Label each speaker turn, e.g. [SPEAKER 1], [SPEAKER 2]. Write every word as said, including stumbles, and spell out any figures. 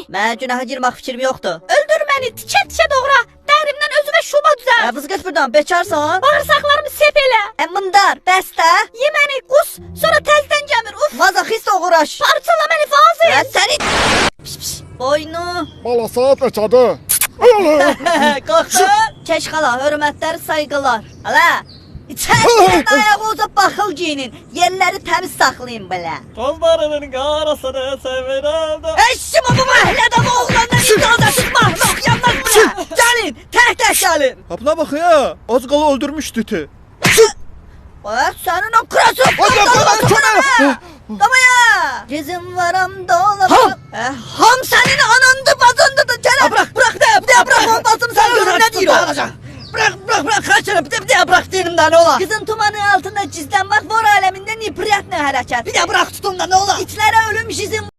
[SPEAKER 1] Mən günaha girmək fikrim yoxdur.
[SPEAKER 2] Öldür məni, tikə tikə doğra. Dərimdən özümə şuba düzəlt.
[SPEAKER 1] Ə, vız get buradan, bekarsan.
[SPEAKER 2] Bağırsaqlarımı sep elə.
[SPEAKER 1] Ə, mındar, bəstə.
[SPEAKER 2] Ye məni, qus, sonra təzdən gəmir. Uf,
[SPEAKER 1] Mazoxist oğraş.
[SPEAKER 2] parçala məni fazla.
[SPEAKER 1] Ə, səni... Piş, piş. Boynu.
[SPEAKER 3] Bala saat neçədir? Ay Allah!
[SPEAKER 1] Qalxdır. Keş xala, hörmətlər, sayğılar. Hala. İçəridən ayağı uzaq baxıl giyinin. Yerləri təmiz saxlayın belə.
[SPEAKER 4] Qollarının qarasını sevirəm də.
[SPEAKER 1] Eşim bu məhəllədə bu oğlandan icazəsiz mahluk yanmaz buraya. Gəlin, tək-tək gəlin.
[SPEAKER 3] Ha buna bak ya. Az qala öldürmüşdü iti.
[SPEAKER 1] Bak senin o krasın.
[SPEAKER 3] Hadi bana köme.
[SPEAKER 1] Kamaya. Gezin varam dolabı. Ham. Ham senin anandı bazındı da gel. Bırak bırak de bir de bırak on basını sen görün ne diyor. Bırak bırak bırak kaçırıp bir de bir de bırak diyelim da ne ola. Kızın tumanı altında cizlenmek var aleminde nifriyetle hareket. Bir de bırak tutun da ne ola. İçlere ölüm jizim